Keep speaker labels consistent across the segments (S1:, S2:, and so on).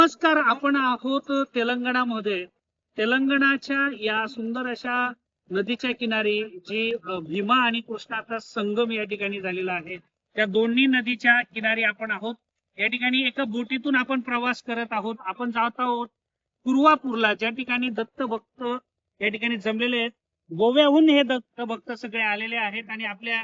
S1: नमस्कार, आपण आहोत तेलंगणामध्ये. तेलंगणाच्या या सुंदर अशा नदीच्या किनारी जी भीमा आणि कृष्णाचा संगम या ठिकाणी झालेला आहे. त्या दोन्ही नदीच्या किनारी आपण आहोत. या ठिकाणी एका बोटीतून आपण प्रवास करत आहोत. आपण जात आहोत कुरवापूरला, ज्या ठिकाणी दत्त भक्त या ठिकाणी जमलेले आहेत. गोव्याहून हे दत्त भक्त सगळे आलेले आहेत आणि आपल्या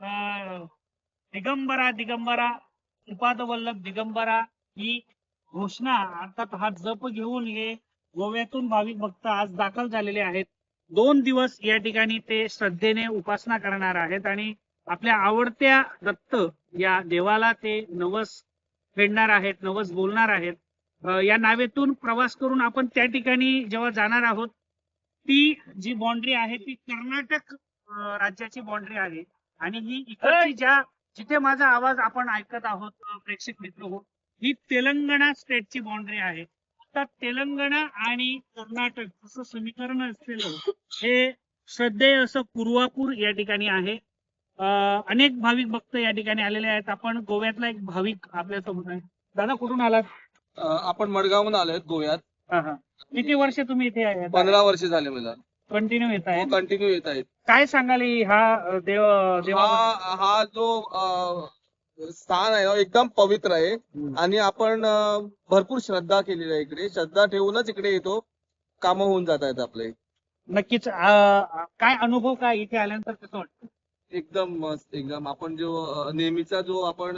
S1: दिगंबरा उपादवल्लभ दिगंबरा ही घोषणा अर्थात हा जप घेऊन हे गोव्यातून भाविक भक्त आज दाखल झालेले आहेत. 2 दिवस या ठिकाणी ते श्रद्धेने उपासना करणार आहेत आणि आपल्या आवडत्या दत्त या देवाला ते नवस फेडणार आहेत, नवस बोलणार आहेत. या नावेतून प्रवास करून आपण त्या ठिकाणी जेव्हा जाणार आहोत, ती जी बाउंड्री आहे ती कर्नाटक राज्याची बाउंड्री आहे आणि ही इकडची जिथे माझा आवाज आपण ऐकत आहोत प्रेक्षक मित्र हो, ही तेलंगणा स्टेटची बाउंड्री आहे. आता तेलंगणा आणि कर्नाटक असं समीकरण असलेलं हे श्रद्धेय असं कुरवापूर या ठिकाणी आहे. अनेक भाविक भक्त या ठिकाणी आलेले आहेत. आपण गोव्यातला एक भाविक आपल्यासोबत आहे. दादा, कुठून आलात?
S2: आपण मडगावहून आलोय गोव्यात.
S1: किती वर्ष तुम्ही इथे आहे?
S2: 15 वर्ष झाले मला.
S1: कंटिन्यू येत आहे?
S2: कंटिन्यू येत आहेत.
S1: काय सांगाल हा देवा
S2: हा जो स्थान आहे एकदम पवित्र आहे आणि आपण भरपूर श्रद्धा केलेली आहे. इकडे श्रद्धा ठेवूनच इकडे येतो. काम होऊन जात आहेत आपले.
S1: नक्कीच. काय अनुभव काय इथे आल्यानंतर कसं वाटतं?
S2: एकदम मस्त. एकदम आपण जो नेहमीचा जो आपण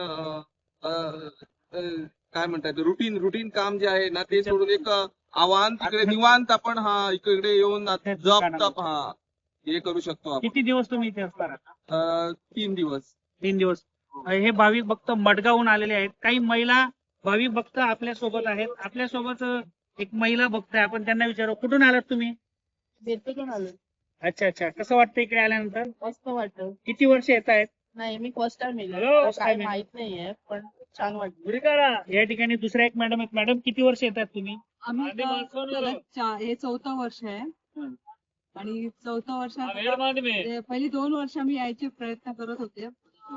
S2: काय म्हणतात रुटीन काम जे आहे ना, ते सोडून एक आव्हान तिकडे निवांत आपण इकडे येऊन जप हे करू शकतो आपण.
S1: किती दिवस तुम्ही इथे असणार?
S2: 3 दिवस.
S1: 3 दिवस. हे भाविक भक्त मडगावहून आलेले आहेत. काही महिला भाविक भक्त आपल्या सोबत आहेत. आपल्या सोबत एक महिला भक्त आहे. आपण त्यांना विचारू, कुठून आलात तुम्ही?
S3: बेतून आलो.
S1: अच्छा. कसं वाटतं इकडे आल्यानंतर?
S3: मस्त वाटतं.
S1: किती वर्ष येत आहेत?
S3: नाही, मी first time
S1: Hello,
S3: yellow.
S1: first
S3: काय
S1: time.
S3: माहित नाहीये, पण छान वाटतं.
S1: या ठिकाणी दुसऱ्या एक मॅडम आहेत. मॅडम, किती वर्ष येतात तुम्ही?
S4: आम्ही हे 4थं वर्ष आहे आणि 4थं वर्षात पहिली 2 वर्ष आम्ही यायचे प्रयत्न करत होते.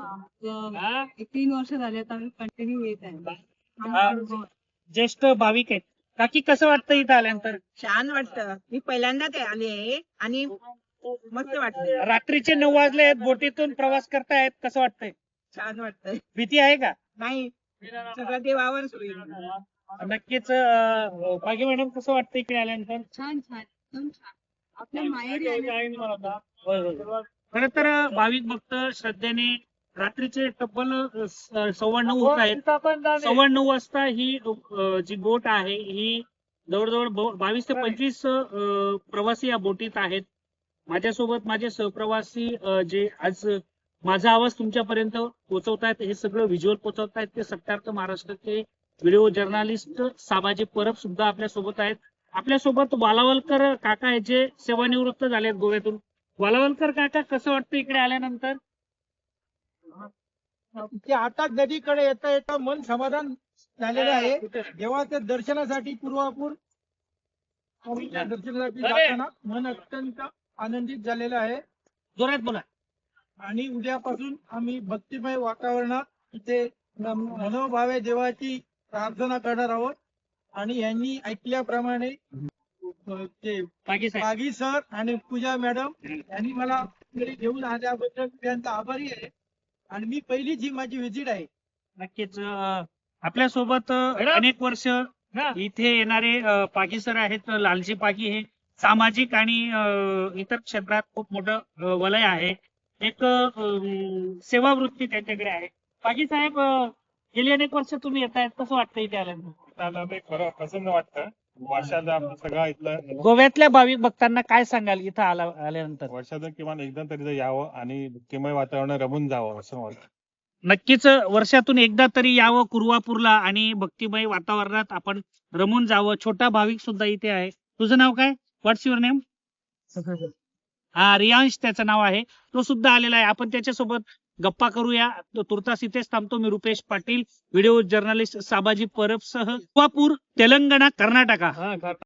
S4: 3 वर्ष झाले आता आम्ही कंटिन्यू येत आहे.
S1: ज्येष्ठ भाविक आहेत. काकी, कसं वाटतं इथं आल्यानंतर?
S5: छान वाटतं. मी पहिल्यांदाच आले आहे आणि मस्त वाटतं.
S1: रात्रीचे 9 वाजले आहेत, बोटीतून प्रवास करतायत, कसं वाटतंय?
S5: छान वाटतंय.
S1: भीती आहे का?
S5: नाही, सगळं देवावर होईल.
S1: नक्कीच. बाकी मॅडम, कसं वाटतं इकडे आल्यानंतर?
S4: छान एकदम छान. आपल्या माहेरी आले.
S1: खर तर भाविक भक्त श्रद्धेने रात्रीचे तब्बल 9:15 होत आहेत. 9:15 वाजता ही जी बोट आहे ही जवळजवळ 22 ते 25 प्रवासी या बोटीत आहेत. माझ्यासोबत माझे सहप्रवासी जे आज माझा आवाज तुमच्यापर्यंत पोहोचवतायत, हे सगळं व्हिज्युअल पोहोचवतायत, ते सत्यार्थ महाराष्ट्राचे व्हिडिओ जर्नलिस्ट साबाजी परब सुद्धा आपल्या सोबत आहेत. आपल्यासोबत वालावलकर काका आहेत, जे सेवानिवृत्त झालेत गोव्यातून. वालावलकर काका, कसं वाटतं इकडे आल्यानंतर?
S6: आता नदीकडे येता येता मन समाधान झालेलं आहे. देवाच्या दर्शनासाठी कुरवापूर दर्शनासाठी जाताना मन अत्यंत आनंदित झालेलं आहे.
S1: जोरात बोला.
S6: आणि उद्यापासून आम्ही भक्तिमय वातावरणात इथे मनोभावे देवाची प्रार्थना करणार आहोत. आणि यांनी ऐकल्याप्रमाणे ते पागी सर आणि पूजा मॅडम यांनी मला घरी घेऊन आल्याबद्दल त्यांचा आभारी आहे. आणि मी पहिलीच ही माझी व्हिजिट आहे.
S1: नक्कीच. आपल्यासोबत अनेक वर्ष इथे येणारे पागी सर आहेत. लालजी पागी हे सामाजिक आणि इतर क्षेत्रात खूप मोठं वलय आहे. एक सेवावृत्ती त्यांच्याकडे आहे. पागी साहेब, गेली अनेक वर्ष तुम्ही येत आहेत, कसं वाटतं इथे आल्यानंतर?
S7: खरं प्रसन्न वाटतं. वर्षाला आपलं सगळं इथलं
S1: गोव्यातल्या भाविक भक्तांना काय सांगाल इथं आल्यानंतर?
S7: वर्षाचं किमान एकदा तरी यावं आणि भक्तिमय वातावरण रमून जावं असं वाटतं.
S1: नक्कीच. वर्षातून एकदा तरी यावं कुरवापूरला आणि भक्तिमय वातावरणात आपण रमून जावं. छोटा भाविक सुद्धा इथे आहे. तुझं नाव काय? व्हॉट्स युअर नेम? रियांश त्याचं नाव आहे. तो सुद्धा आलेला आहे. आपण त्याच्यासोबत गप्पा करूया. तुर्तास इथेच थांबतो. मी रुपेश पाटील, व्हिडिओ जर्नलिस्ट साबाजी परब सह कुरवापूर, तेलंगणा, कर्नाटका.